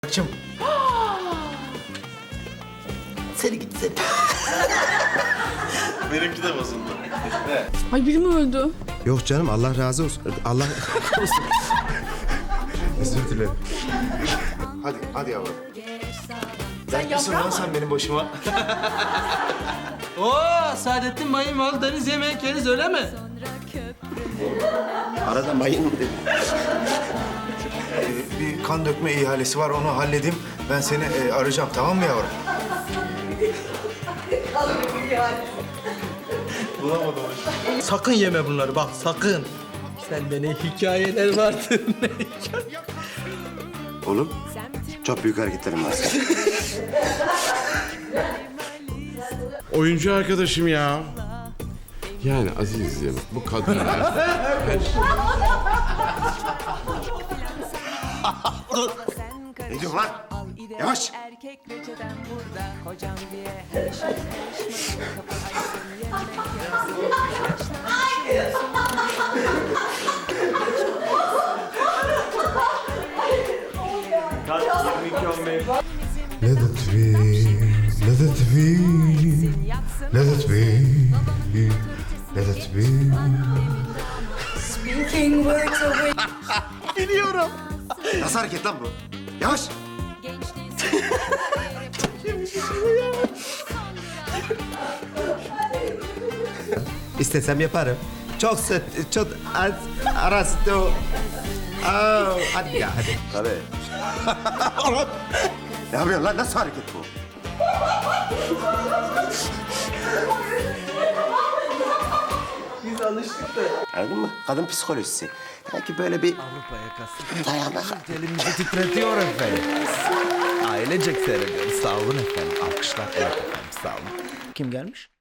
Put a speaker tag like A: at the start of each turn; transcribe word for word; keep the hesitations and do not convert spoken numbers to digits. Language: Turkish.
A: Bırakacağım. Seni git seni.
B: Benimki de bozuldu.
C: Ay biri mi öldü?
D: Yok canım, Allah razı olsun. Allah olsun. Özür dilerim.
A: Hadi, hadi yavrum.
C: Sen
A: Nasılsın lan sen benim başıma?
E: Oo, Saadettin Mayın mal deniz yemek yeriz öyle mi?
D: Arada mayın mı dedi?
A: Ee, bir kan dökme ihalesi var, onu halledeyim. Ben seni e, arayacağım, tamam mı yavrum?
E: Sakın yeme bunları bak sakın. Sende ne hikayeler vardır ne hikaye.
D: Oğlum, çok büyük hareketlerim var.
F: Oyuncu arkadaşım ya. Yani Aziz'im bu kadınlar...
D: Ne diyorsun lan? Yavaş.
G: Erkek reçeten burada kocam diye karışma karışma kapı açsın yemek
D: Let it be, let it be, let it be, let it be.
C: Speaking words away.
D: Biliyorum. Nasıl hareket lan bu? Yavaş. İstesem yaparım. Çok sık, çok az, arası o. Oh, hadi ya, hadi. Tabii. Ne yapıyorsun lan? Nasıl hareket bu?
E: Biz alıştık da.
D: Anladın mı? Kadın psikolojisi. Belki böyle bir
H: Avrupa yakası.
D: dayanak.
H: Elimizi titretiyor efendim. Ailecek seyrediyoruz. Sağ olun efendim. Alkışlar. Evet efendim sağ olun. Kim gelmiş?